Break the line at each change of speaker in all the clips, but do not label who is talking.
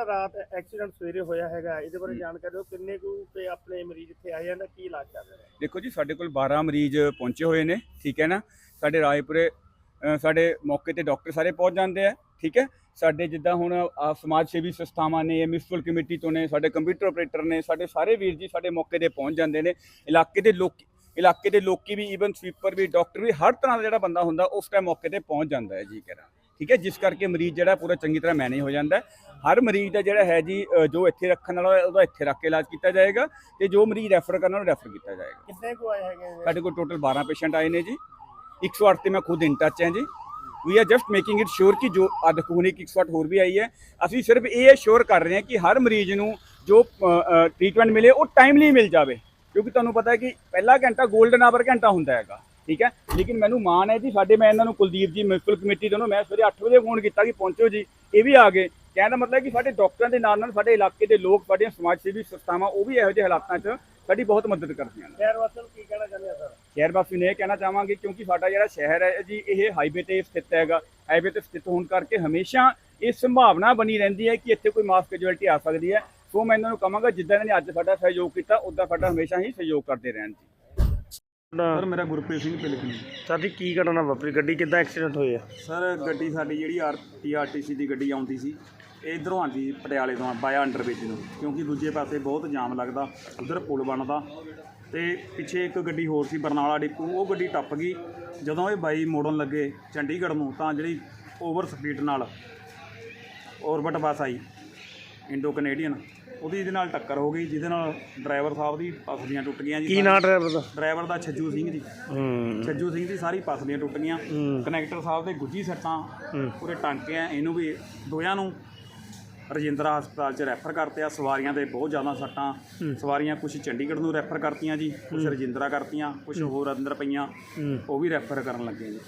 ਰਾਤ ਐਕਸੀਡੈਂਟ ਸਵੇਰੇ ਹੋਇਆ ਹੈਗਾ, ਇਹਦੇ ਬਾਰੇ ਜਾਣਕਾਰੀ ਦਿਓ। ਕਿੰਨੇ ਕੁ ਤੇ ਆਪਣੇ ਮਰੀਜ਼ ਇੱਥੇ ਆਏ ਜਾਂਦੇ, ਕੀ ਇਲਾਜ ਚੱਲ ਰਿਹਾ?
ਦੇਖੋ ਜੀ, ਸਾਡੇ ਕੋਲ 12 ਮਰੀਜ਼ ਪਹੁੰਚੇ ਹੋਏ ਨੇ, ਠੀਕ ਹੈ ਨਾ। ਸਾਡੇ ਰਾਏਪੁਰੇ ਸਾਡੇ ਮੌਕੇ ਤੇ ਡਾਕਟਰ ਸਾਰੇ ਪਹੁੰਚ ਜਾਂਦੇ ਆ, ਠੀਕ ਹੈ। ਸਾਡੇ ਜਿੱਦਾਂ ਹੁਣ ਸਮਾਜ ਸੇਵੀ ਸੰਸਥਾਵਾਂ ਨੇ, ਮਿਊਨਿਸਪਲ ਕਮੇਟੀ ਤੋਂ ਨੇ, ਸਾਡੇ ਕੰਪਿਊਟਰ ਆਪਰੇਟਰ ਨੇ, ਸਾਡੇ ਸਾਰੇ ਵੀਰ ਜੀ ਸਾਡੇ ਮੌਕੇ ਤੇ ਪਹੁੰਚ ਜਾਂਦੇ ਨੇ। ਇਲਾਕੇ ਦੇ ਲੋਕੀ ਵੀ, ਈਵਨ ਸਵੀਪਰ ਵੀ, ਡਾਕਟਰ ਵੀ, ਹਰ ਤਰ੍ਹਾਂ ਦਾ ਜਿਹੜਾ ਬੰਦਾ ਹੁੰਦਾ ਉਸ ਟਾਈਮ ਮੌਕੇ ਤੇ ਪਹੁੰਚ ਜਾਂਦਾ ਹੈ ਜੀ ਕਹਿਣਾ, ਠੀਕ ਹੈ। ਜਿਸ ਕਰਕੇ ਮਰੀਜ਼ ਜਿਹੜਾ ਪੂਰਾ ਚੰਗੀ ਤਰ੍ਹਾਂ ਮੈਨੇਜ ਹੋ ਜਾਂਦਾ ਹੈ। ਹਰ ਮਰੀਜ਼ ਦਾ ਜਿਹੜਾ ਹੈ ਜੀ, ਜੋ ਇੱਥੇ ਰੱਖਣ ਵਾਲਾ ਉਹਦਾ ਇੱਥੇ ਰੱਖ ਕੇ ਇਲਾਜ ਕੀਤਾ ਜਾਏਗਾ, ਤੇ ਜੋ ਮਰੀਜ਼ ਰੈਫਰ ਕਰਨ ਵਾਲਾ ਰੈਫਰ ਕੀਤਾ ਜਾਏਗਾ।
ਕਿੰਨੇ ਕੁ ਆਏ ਹੈਗੇ?
ਸਾਡੇ ਕੋਲ ਟੋਟਲ 12 ਪੇਸ਼ੈਂਟ ਆਏ ਨੇ ਜੀ। 108 ਤੇ ਮੈਂ ਖੁਦ ਇਨ ਟੱਚ ਹਾਂ ਜੀ। We are just making it sure ਕਿ ਜੋ ਦੇਖੋ ਇੱਕ 108 ਹੋਰ ਵੀ ਆਈ ਹੈ। ਅਸੀਂ ਸਿਰਫ ਇਹ ਸ਼ੋਰ ਕਰ ਰਹੇ ਹਾਂ ਕਿ ਹਰ ਮਰੀਜ਼ ਨੂੰ ਜੋ ਟ੍ਰੀਟਮੈਂਟ ਮਿਲੇ ਉਹ ਟਾਈਮਲੀ ਮਿਲ ਜਾਵੇ, ਕਿਉਂਕਿ ਤੁਹਾਨੂੰ ਪਤਾ ਹੈ ਕਿ ਪਹਿਲਾ ਘੰਟਾ ਗੋਲਡਨ ਆਵਰ ਘੰਟਾ ਹੁੰਦਾ ਹੈਗਾ, ਠੀਕ ਹੈ। ਲੇਕਿਨ ਮੈਨੂੰ ਮਾਣ ਹੈ ਜੀ, ਮੈਂ ਇਹਨਾਂ ਨੂੰ ਕੁਲਦੀਪ ਜੀ ਮਿਊਨਿਸਪਲ ਕਮੇਟੀ ਦੋਨੋਂ, ਮੈਂ ਸਵੇਰੇ 8 ਵਜੇ ਫੋਨ ਕੀਤਾ ਕਿ ਪਹੁੰਚੋ ਜੀ, ਇਹ ਵੀ ਆ ਗਏ। ਕਹਿਣ ਦਾ ਮਤਲਬ ਕਿ ਸਾਡੇ ਡਾਕਟਰਾਂ ਦੇ ਨਾਲ ਸਾਡੇ ਇਲਾਕੇ ਦੇ ਲੋਕ, ਸਾਡੀਆਂ ਸਮਾਜ ਸੇਵੀ ਸੰਸਥਾਵਾਂ, ਉਹ ਵੀ ਇਹੋ ਜਿਹੇ ਹਾਲਾਤਾਂ 'ਚ ਸਾਡੀ ਬਹੁਤ ਮਦਦ ਕਰਦੀਆਂ ਨੇ।
ਸ਼ਹਿਰ ਵਾਸੀਆਂ ਨੂੰ ਕੀ ਕਹਿਣਾ ਚਾਹੁੰਦੇ ਆ ਸਰ?
ਸ਼ਹਿਰ ਵਾਸੀ ਨੂੰ ਇਹ ਕਹਿਣਾ ਚਾਹਾਂਗੇ, ਕਿਉਂਕਿ ਸਾਡਾ ਜਿਹੜਾ ਸ਼ਹਿਰ ਹੈ ਜੀ, ਇਹ ਹਾਈਵੇ ਤੇ ਸਥਿਤ ਹੈਗਾ। ਹਾਈਵੇ ਤੇ ਸਥਿਤ ਹੋਣ ਕਰਕੇ ਹਮੇਸ਼ਾ ਇਹ ਸੰਭਾਵਨਾ ਬਣੀ ਰਹਿੰਦੀ ਹੈ ਕਿ ਇੱਥੇ ਕੋਈ ਮਾਸ ਕੈਜੁਅਲਟੀ ਆ ਸਕਦੀ ਹੈ। ਸੋ ਮੈਂ ਇਹਨਾਂ ਨੂੰ ਕਹਾਂਗਾ, ਜਿੱਦਾਂ ਇਹਨਾਂ ਨੇ ਅੱਜ ਸਾਡਾ ਸਹਿਯੋਗ ਕੀਤਾ, ਉੱਦਾਂ ਸਾਡਾ ਹਮੇਸ਼ਾ ਹੀ ਸਹਿਯੋਗ ਕਰਦੇ ਰਹਿਣ ਜੀ।
ਸਰ ਮੇਰਾ ਗੁਰਪ੍ਰੀਤ ਸਿੰਘ ਪਿਲਕਣੀ।
ਸਰ ਜੀ, ਕੀ ਘਟਨਾ ਵਾਪਰੀ? ਗੱਡੀ ਕਿੱਦਾਂ ਐਕਸੀਡੈਂਟ ਹੋਇਆ?
ਸਰ ਗੱਡੀ ਸਾਡੀ ਜਿਹੜੀ ਆਰਟੀਸੀ ਦੀ ਗੱਡੀ ਆਉਂਦੀ ਸੀ, ਇਹ ਇੱਧਰੋਂ ਆਉਂਦੀ ਪਟਿਆਲੇ ਤੋਂ ਬਾਇਆ ਅੰਡਰਬ੍ਰਿਜ ਨੂੰ, ਕਿਉਂਕਿ ਦੂਜੇ ਪਾਸੇ ਬਹੁਤ ਜਾਮ ਲੱਗਦਾ, ਉੱਧਰ ਪੁਲ ਬਣਦਾ, ਤੇ ਪਿੱਛੇ ਇੱਕ ਗੱਡੀ ਹੋਰ ਸੀ ਬਰਨਾਲਾ ਡਿਪੂ, ਉਹ ਗੱਡੀ ਟੱਪ ਗਈ। ਜਦੋਂ ਇਹ ਬਾਈ ਮੋੜਨ ਲੱਗੇ ਚੰਡੀਗੜ੍ਹ ਨੂੰ, ਤਾਂ ਜਿਹੜੀ ਓਵਰ ਸਪੀਡ ਨਾਲ ਔਰਬਿਟ ਬੱਸ ਆਈ ਇੰਡੋ ਕੈਨੇਡੀਅਨ, ਉਹਦੀ ਇਹਦੇ ਨਾਲ ਟੱਕਰ ਹੋ ਗਈ, ਜਿਹਦੇ ਨਾਲ ਡਰਾਈਵਰ ਸਾਹਿਬ ਦੀ ਪਸਲੀਆਂ ਟੁੱਟ ਗਈਆਂ ਜੀ।
ਕੀ ਨਾਂ ਡਰਾਈਵਰ ਦਾ?
ਡਰਾਈਵਰ ਦਾ ਛੱਜੂ ਸਿੰਘ ਜੀ। ਛੱਜੂ ਸਿੰਘ ਦੀ ਸਾਰੀ ਪਸਲੀਆਂ ਟੁੱਟ ਗਈਆਂ। ਕਨੈਕਟਰ ਸਾਹਿਬ ਦੇ ਗੁੱਜੀ ਸੱਟਾਂ, ਪੂਰੇ ਟਾਂਕੇ ਆ। ਇਹਨੂੰ ਵੀ ਦੋਹਾਂ ਨੂੰ ਰਜਿੰਦਰਾ ਹਸਪਤਾਲ 'ਚ ਰੈਫਰ ਕਰਤੇ ਆ। ਸਵਾਰੀਆਂ ਦੇ ਬਹੁਤ ਜ਼ਿਆਦਾ ਸੱਟਾਂ, ਸਵਾਰੀਆਂ ਕੁਛ ਚੰਡੀਗੜ੍ਹ ਨੂੰ ਰੈਫਰ ਕਰਤੀਆਂ ਜੀ, ਕੁਛ ਰਜਿੰਦਰਾ ਕਰਤੀਆਂ, ਕੁਛ ਹੋਰ ਅੰਦਰ ਪਈਆਂ, ਉਹ ਵੀ ਰੈਫਰ ਕਰਨ ਲੱਗੇ ਜੀ।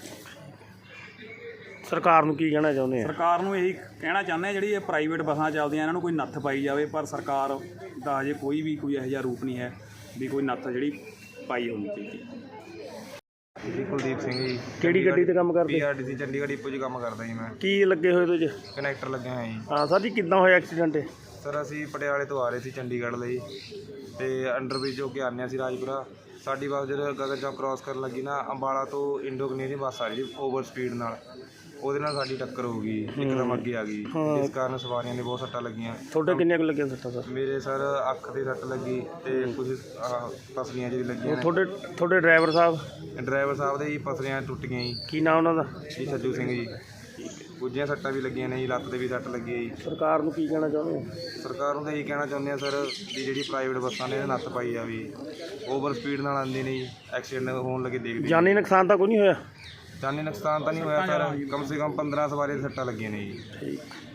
ਸਰਕਾਰ ਨੂੰ ਕੀ ਕਹਿਣਾ ਚਾਹੁੰਦੇ ਆ?
ਸਰਕਾਰ ਨੂੰ ਇਹੀ ਕਹਿਣਾ ਚਾਹੁੰਦੇ ਆ, ਜਿਹੜੀ ਇਹ ਪ੍ਰਾਈਵੇਟ ਬੱਸਾਂ ਚੱਲਦੀਆਂ, ਇਹਨਾਂ ਨੂੰ ਕੋਈ ਨੱਥ ਪਾਈ ਜਾਵੇ। ਪਰ ਸਰਕਾਰ ਦਾ ਅਜੇ ਕੋਈ ਇਹੋ ਜਿਹਾ ਰੂਪ ਨਹੀਂ ਹੈ ਵੀ ਕੋਈ ਨੱਥ ਜਿਹੜੀ ਪਾਈ ਹੋਣੀ ਚਾਹੀਦੀ।
ਜੀ ਕੁਲਦੀਪ ਸਿੰਘ ਜੀ।
ਕਿਹੜੀ ਗੱਡੀ ਤੇ ਕੰਮ ਕਰਦੇ?
ਪੀਆਰਟੀਸੀ ਚੰਡੀਗੜ੍ਹ ਡਿਪੂ 'ਚ ਕੰਮ ਕਰਦਾ ਜੀ ਮੈਂ।
ਕੀ ਲੱਗੇ ਹੋਏ ਤੁਸੀਂ?
ਕਨੈਕਟਰ ਲੱਗਿਆ ਹੋਇਆ ਜੀ।
ਹਾਂ ਸਰ ਜੀ, ਕਿੱਦਾਂ ਹੋਇਆ ਐਕਸੀਡੈਂਟ?
ਸਰ ਅਸੀਂ ਪਟਿਆਲੇ ਤੋਂ ਆ ਰਹੇ ਸੀ ਚੰਡੀਗੜ੍ਹ ਲਈ, ਤੇ ਅੰਡਰਬ੍ਰਿਜ ਹੋ ਕੇ ਆਉਂਦੇ ਸੀ ਰਾਜਪੁਰਾ। ਸਾਡੀ ਬੱਸ ਜਦੋਂ ਗਗਨ ਚੌਕ ਕ੍ਰਾਸ ਕਰਨ ਲੱਗੀ ਨਾ, ਅੰਬਾਲਾ ਤੋਂ ਇੰਡੋ ਕੈਨੇਡੀਅਨ ਬੱਸ ਆ ਰਹੀ ਸੀ ਓਵਰ ਸਪੀਡ ਨਾਲ, ਉਹਦੇ ਨਾਲ ਸਾਡੀ ਟੱਕਰ ਹੋ ਗਈ, ਇੱਕਦਮ ਅੱਗੇ ਆ ਗਈ, ਜਿਸ ਕਾਰਨ ਸਵਾਰੀਆਂ ਦੇ ਬਹੁਤ ਸੱਟਾਂ ਲੱਗੀਆਂ।
ਤੁਹਾਡੇ ਕਿੰਨੇ ਕੁ ਲੱਗੀਆਂ ਸੱਟਾਂ ਸਰ?
ਮੇਰੇ ਸਰ ਅੱਖ ਤੇ ਸੱਟ ਲੱਗੀ, ਤੇ ਕੁਝ ਪਸਲੀਆਂ ਜਿਹੜੀ ਲੱਗੀਆਂ ਨੇ।
ਤੁਹਾਡੇ ਡਰਾਈਵਰ ਸਾਹਿਬ?
ਡਰਾਈਵਰ ਸਾਹਿਬ ਦੇ ਜੀ ਪਸਲੀਆਂ ਟੁੱਟ ਗਈਆਂ ਜੀ।
ਕੀ ਨਾਮ ਉਹਨਾਂ ਦਾ?
ਜੀ ਛੱਜੂ ਸਿੰਘ ਜੀ। ਗੁੱਜੀਆਂ ਸੱਟਾਂ ਵੀ ਲੱਗੀਆਂ ਨੇ ਜੀ, ਲੱਤ 'ਤੇ ਵੀ ਸੱਟ ਲੱਗੀ ਹੈ ਜੀ।
ਸਰਕਾਰ ਨੂੰ ਕੀ ਕਹਿਣਾ ਚਾਹੁੰਦੇ ਹੋ?
ਸਰਕਾਰ ਨੂੰ ਤਾਂ ਇਹੀ ਕਹਿਣਾ ਚਾਹੁੰਦੇ ਆ ਸਰ, ਵੀ ਜਿਹੜੀ ਪ੍ਰਾਈਵੇਟ ਬੱਸਾਂ ਨੇ ਇਹਦੇ ਨੱਥ ਪਾਈ ਜਾਵੇ। ਓਵਰ ਸਪੀਡ ਨਾਲ ਆਉਂਦੀ ਨੇ ਜੀ, ਐਕਸੀਡੈਂਟ ਹੋਣ ਲੱਗੇ ਦੇਖਦੇ।
ਜਾਨੀ ਨੁਕਸਾਨ ਤਾਂ ਕੋਈ ਨਹੀਂ ਹੋਇਆ?
ਜਾਨੀ ਨੁਕਸਾਨ ਤਾਂ ਨਹੀਂ ਹੋਇਆ ਸਰ, ਕਮ ਸੇ ਕਮ 15 ਸਵਾਰੀਆਂ ਦੀ ਸੱਟਾਂ ਲੱਗੀਆਂ ਨੇ ਜੀ।
ਠੀਕ।